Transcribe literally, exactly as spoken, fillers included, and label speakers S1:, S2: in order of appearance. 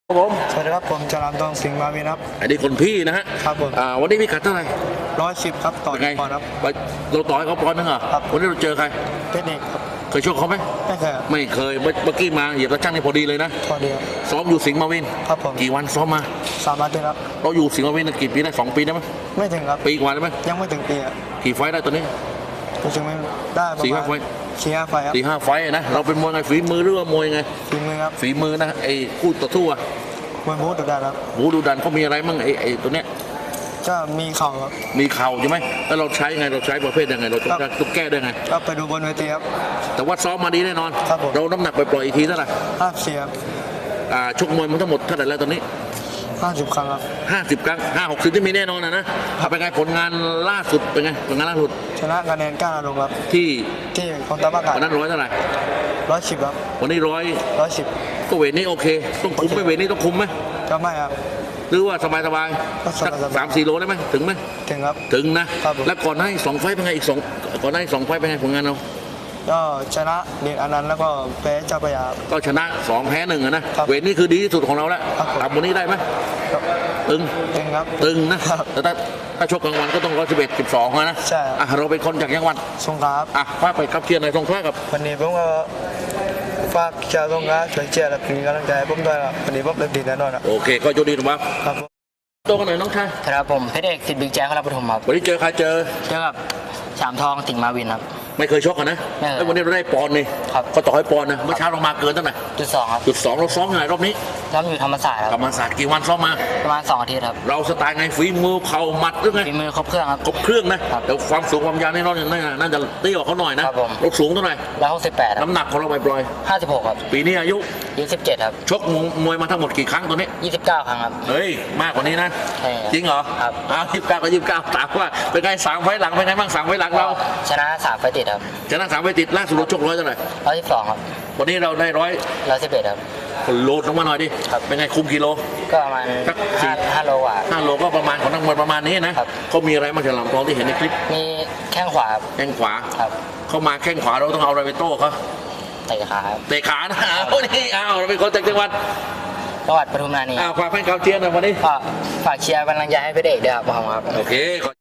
S1: ผม
S2: สวัสดีครับผมจรัญทองสิงห์มาวินครับ
S1: อันนี้คนพี่นะฮะ
S2: ครับผม
S1: อ่าวันนี้พี่กัดเท่าไหร่
S2: ร้อยสิบครับต่อ
S1: เป็นไง
S2: ปอนด์ครับ
S1: ไปเราต่อยเขาปอนด์นึงเหรอ
S2: ครับ
S1: วันนี้เราเจอใคร
S2: เทคนิคครับ
S1: เคยชกเขาไหม
S2: ไม่เคยครับ
S1: ไม่เคยเมื่อเมื่อกี้มาเหยียบตะช่างนี่พอดีเลยนะ
S2: พอดีครับ
S1: ซ้อมอยู่สิงห์มาวิน
S2: ครับผม
S1: กี่วันซ้อมมา
S2: สามอาทิตย์ครับ
S1: เราอยู่สิงห์มาวินกี่ปีได้สองปีได้ไหม
S2: ไม่ถึงครับ
S1: ปีกว่าได้ไหม
S2: ยังไม่ถึงปีครับ
S1: กี่ไฟต์ได้ตอนนี้
S2: รู้สึกไม่ได้ประ
S1: สี่
S2: มา
S1: ห้า
S2: ณ
S1: ไฟต์
S2: สี่ห้าไฟครับ
S1: สี่ห้าไฟต์นะเราเป็นมวยไงฝีมือหรือว่ามวยไง
S2: ฝีมือครับ
S1: ฝีมือนะไอ้คู่ต่อสู้อะ
S2: มวยบู๊ดุดันครับ
S1: หูดูดันเขามีอะไรมั่งไอ้ไอ้ตัวเนี้ย
S2: ก็มีเข่าครับ
S1: มีเข่าใช่ไหมแล้วเราใช้ไงเราใช้ประเภทยังไงเราต้องต้องแก้ได้ไง
S2: ก็ไปดูบนเวทีครับ
S1: แต่ว่าซ้อมมาดีแน่นอน
S2: ครับผม
S1: เราน้ำหนักไปปล่อยอีกทีเท่าไหร่
S2: ห้าสิบครับ
S1: อ่าชกมวยมันทั้งหมดเท่าไหร่แล้วตอนนี้
S2: ห้าสิบครั้งครับ
S1: ห้าสิบครั้งห้าหกสิบที่มีแน่นอนนะนะเป็นไงผลงานล่าสุดเป็นไงผลงานล่าสุด
S2: ชนะคะแนนก้าลงครับ
S1: ที่
S2: ที่คอนตาบ้ากา
S1: วันนั้นร้อยเท่าไหร่
S2: ร้อยสิบครับ
S1: วันนี้ร้อย
S2: ร้อยสิบ
S1: ก็เวทนี้โอเคต้องคุมไหมเวทนี้ต้องคุมไหม
S2: ก็ไม่ครับ
S1: หรือว่าสบายสบายสักสามสี่โลได้ไหมถึงไหม
S2: ถึงครับ
S1: ถึงนะครับแล้วก่อนหน้าสองไฟเป็นไงอีกสองก่อนหน้าสองไฟเป็นไงผลงานเรา
S2: ก็ชนะเด็กอนันต์แล้วก็แพ้เจ้าพระยา
S1: ก็ชนะสองแพ้หนึ่งนะเวทนี้คือดีที่สุดของเราแล้วทำวันนี้ได้ไหมตึง
S2: ตึงครับ
S1: ตึงนะแต่ถ้าถ้าชกกลางวันก็ต้องร้อยสิบเอ็ดสิบสองนะ
S2: ใช่
S1: อ่ะเราเป็นคนจากจังหวัด
S2: สงขลา
S1: อ่ะพาไปกับเชียร์ในสงขลากับ
S2: วันนี้ผมก็ฝากชาวสงขลาช่วยเชียร์และเป็นกำลังใจให้ผมด้วยครับวันนี้ผมเล่นดีแน่นอนครับ
S1: โอเคก็โชคดีนะครับ
S2: ครับ
S1: ตัวกันหน่อยน้องชาย
S3: ครับผมเพชรเอกสิทธิ์บิ๊กแจ๊คครับปฐมครับ
S1: วันนี้เจอใครเจอ
S3: เจอกับสามทองสิงห์มาวินครับ
S1: ไม่เคยชกกันนะแล้ววันนี้เราได้ปอนนี่เขาต่อให้ปอนนะเมื่อเช้าเรามาเกินเท่าไหร่
S3: จุดสองครับ
S1: จุดสองเราซ้อมยังไงรอบนี้
S3: ซ้อมอยู่ธรรมศาสตร์ครับ
S1: ธรรมศาสตร์กี่วันซ้อมมา
S3: ประมาณสองอาทิตย์ครับ
S1: เราสไตล์ไงฝีมือเข่าหมัดหรือไง
S3: ฝีมือครบเครื่องครับ
S1: ครบเครื่องนะแต่ความสูงความยาวนี่น้องน่าจะเตี้ยกว่าเขาหน่อยนะเราสูงเท่าไหร่
S3: ร้อยหกสิบแปด
S1: น้ำหนักของเราไปปล่อย
S3: ห้าสิบหกครับ
S1: ปีนี้อายุ
S3: ยี่สิบเจ็ดครับ
S1: ชกมวยมาทั้งหมดกี่ครั้งตัวนี้
S3: ยี่สิบเก้าครั้งครับ
S1: เฮ้ยมากกว่านี้นะจริงเหรอ
S3: ครับ
S1: อ้าวยี่สิบเก้าก็ยี่สิบเก้าถามว่าเป็นไงสามไฟหลังเป็นไงบ้างสามไฟหลังเรา
S3: ชนะสามไฟติดครับ
S1: ชนะสามไฟติดล่าสุดเราชกร้อยเท่าไหร่
S3: ร้อยสิบสองครับ
S1: วันนี้เราได้ร้อย
S3: ร้อยสิบเอ็ดครับ
S1: โลดลงมาหน่อยดิเป็นไงคุมกิโล
S3: ก็ประมาณห้าโลกว่า
S1: ห้าโลก็ประมาณของนักมวยประมาณนี้นะเขามีอะไรมาจากลำทองที่เห็นในคลิป
S3: มีแข้งขวา
S1: แข้งขวา
S3: ครับ
S1: เขามาแข้งขวาเราต้องเอาอะไรไปโต้เขา
S3: เตะขา
S1: เตะขานะโอ้นี่อ้าวเราเป็นคนจากจังหวัด
S3: จังหวัดปทุมธานี
S1: อ้าวฝากแฟนเก่าเชียร์หน่อยวันนี้
S3: ฝากเชียร์กำลังใจให้เพชรเอกด้วยครับผมครับ
S1: โอเค